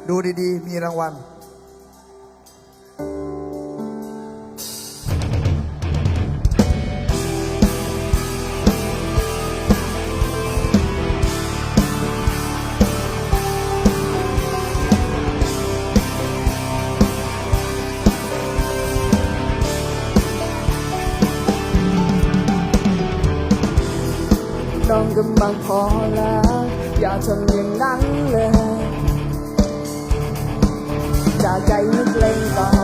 ดูดีๆมีรางวัลน้องกำลังพอแล้วอย่าทำอย่างนั้นเลยจากใจนึกเล่นเบา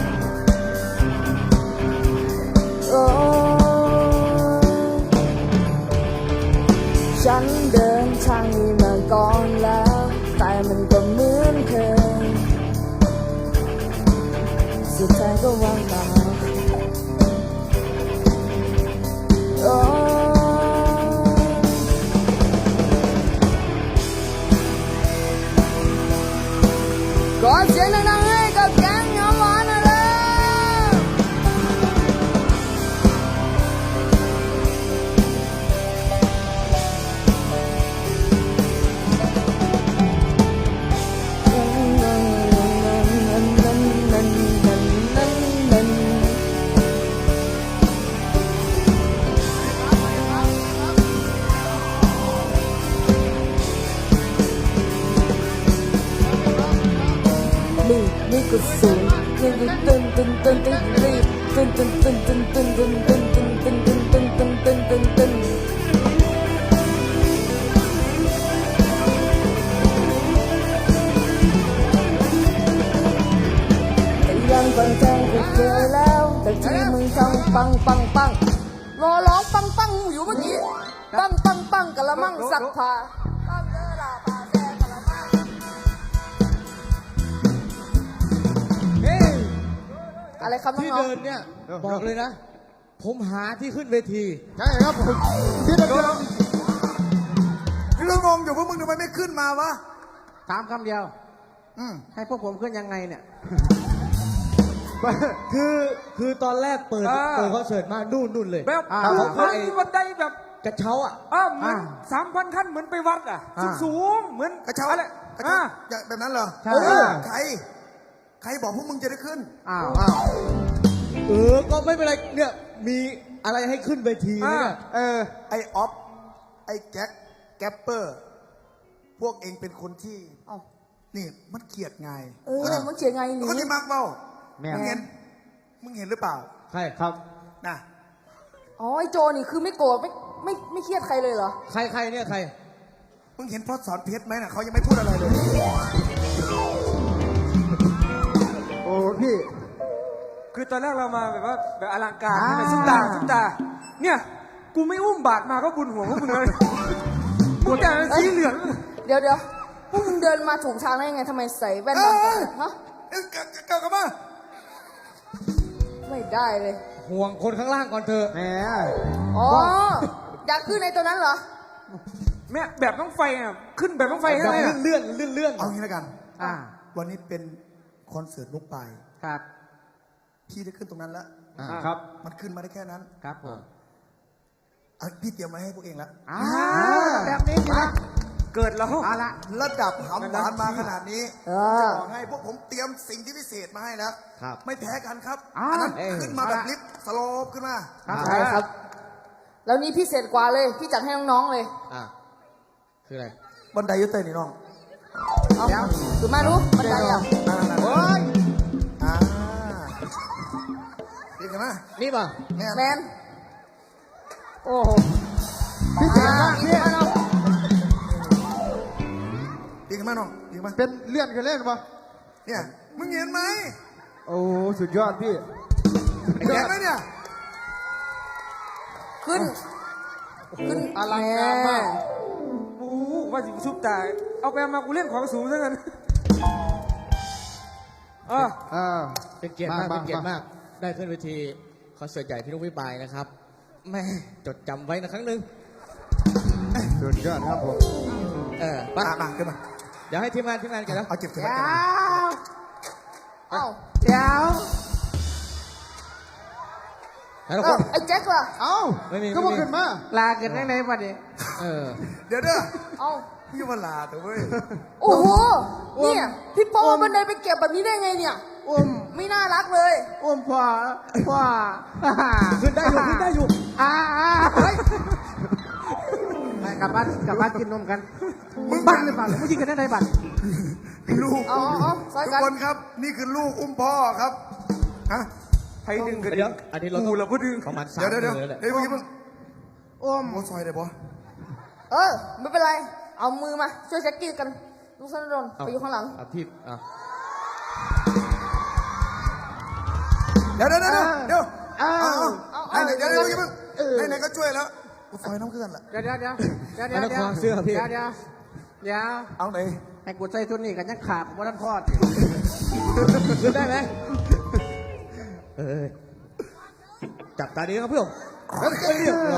โอ้ฉันเดินทางนี้มาก่อนแล้วแต่มันก็เหมือนเคยสุดท้ายก็ว่างเปล่าโอ้ขอเสียงดังๆให้กับแก๊งน้ำหวานหน่อยเลยนี่ก็สูงตึ้นตึ้นตึ้นตึ้นตึ้นรีบตึ้นตึ้นตึ้นตึ้นตึ้นตึ้นตึ้นตึ้นตึ้นตึ้นตึ้นตึ้นตึ้นตึ้นตึ้นยังฟังแจ้งก็เจอแล้วแต่ที่มึงทำปังปังปังรอร้องปังปังอยู่เมื่อกี้ปังปังปังกะละมังสักผ้าปังเด้อลาปาแซ่กะละมังอะไรครับน้องที่เดินเนี่ยบอกเลยนะ ผมหาที่ขึ้นเวทีใช่ครับผมที่เดินพี่ก็งงอยู่พวกมึงทำไมไม่ขึ้นมาวะถามคำเดียวอืมให้พวกผมขึ้นยังไงเนี่ย คือตอนแรกเปิดคอนเสิร์ตมานู่นเลยแบบเขาขึ้ไอ้นบันไดแบบกระเช้าอ่ะเหมือน3,000 ขั้นเหมือนไปวัดสูงเหมือนกระเช้าอะไรกระเช้าอย่างแบบนั้นเหรอใช่ใครบอกพวกมึงจะได้ขึ้นอ้าวก็ไม่เป็นไรเนี่ยมีอะไรให้ขึ้นเวทีไหมเนี่ยไอออฟไอแจ็คแกปเปอร์พวกเองเป็นคนที่นี่มันเกลียดไงมันเขียนไงนี่ก็ที่มักเบ้าแม่มึงเห็นหรือเปล่าใช่ครับนะอ๋อไอโจนี่คือไม่โกรธไม่เครียดใครเลยเหรอใครเนี่ยใครมึงเห็นพ่อสอนเพชรไหมน่ะเขายังไม่พูดอะไรเลย โอ้พี่คือตอนแรกเรามาแบบว่าแบบอลังการแบบซุปตาเนี่ยกูไม่อุ้มบาทมาก็บุญหัวพวกมึงเลยมึงแต่สีเหลืองเดี๋ยวพวกมึงเดินมาถูกทางได้ยังไงทำไมใส่แว่นดำกันฮะเก่ากันมาไม่ได้เลยห่วงคนข้างล่างก่อนเถอะแหมอ๋ออยากขึ้นในตัวนั้นเหรอแม่แบบต้องไฟขึ้นแบบต้องไฟให้เลยเลื่อนเอางี้แล้วกันอ่าวันนี้เป็นคอนเสิร์ตลูกปลายครับพี่ได้ขึ้นตรงนั้นแล้วครับมันขึ้นมาได้แค่นั้นครับผมพี่เตรียมไว้ให้พวกเองแล้วแบบนี้นะเกิดแล้วเอาละระดับหำหวานมาขนาดนี้เอจะอบอกให้พวกผมเตรียมสิ่งที่พิเศษมาให้แล้วครับไม่แพ้กันครับอ่าอันนั้นเอ้ยขึ้นมาแบบเอาละลิฟต์สโลปขึ้นมาใช่ครับ แล้วนี่พิเศษกว่าเลย พี่จัดให้น้องๆเลยคืออะไรบันไดอยุตินี่น้องเอาคือมารู้บันไดอ่ะโอ้ยดีกันไหมนี่ป่ะเนี่ยแมนโอ้โหพี่เจ๋งมากพี่พี่มาเนาะดีกันไหมน้องดีกันไหมเป็นเลื่อนกันเล่นปะเนี่ยมึงเห็นไหมโอ้สุดยอดพี่เห็นไหมเนี่ยขึ้นอลังการมากโอ้ว่าสิซุปตาเอาไปเอามากูเล่นของสูงซะงั้นเป็นเกียรติมากเป็นเกียรติมาก ได้ขึ้นเวทีคอนเสิร์ตใหญ่พี่นุ้งวิบายนะครับแม่จดจำไว้นะครั้งหนึ่งสุดยอดครับผมไปมาขึ้นมาเดี๋ยวให้ทีมงานกันนะเอาเก็บเก็บเดี๋ไว้ยวกันนะเอ้าเดี๋ยวแล้วก็ไอ้แจ็คล่ะเอ้าไม่มีก็บอกขึ้นมาลากันได้ไหนปะเนี่ยเดี๋ยวเด้อเอ้าพี่วลาแต่เว้ยโอ้โหเนี่ยพี่โป้บันไดไปเก็บแบบนี้ได้ไงเนี่ยอุ้มไม่น่ารักเลยอุ้มพ่อขึ้นได้อยู่ขึ้นได้อยู่ไปกลับบ้านกินนมกันบ้านหรือเปล่าไม่ยิงกันได้บ้านลูกเอาซอยทุกกันคนครับ นี่คือลูกอุ้มพ่อครับฮะใครดึงกันเดี๋ยวอันนี้เรากูละพูดดึงประมาณสามเดี๋ยวมือแหละเฮ้ยเมื่อกี้มึงอุ้มโอ้ซอยได้ปะไม่เป็นไร เอามือมาช่วยแจ็คกี้กันลุงธนดลไปอยู่ข้างหลังอ่ะพี่อ่ะเดี๋ยวไหนเดี๋ยวเมื่อกี้มึงเออไหนก็ช่วยแล้วซอยน้ำเกลือนล่ะเดี๋ยวไม่ต้องควงเสื้อพี่เอาไหนให้กูใส่ชุดนี้กันยังขาดว่าท่านทอดขึ้นได้ไหมจับตาดีครับเพื่อน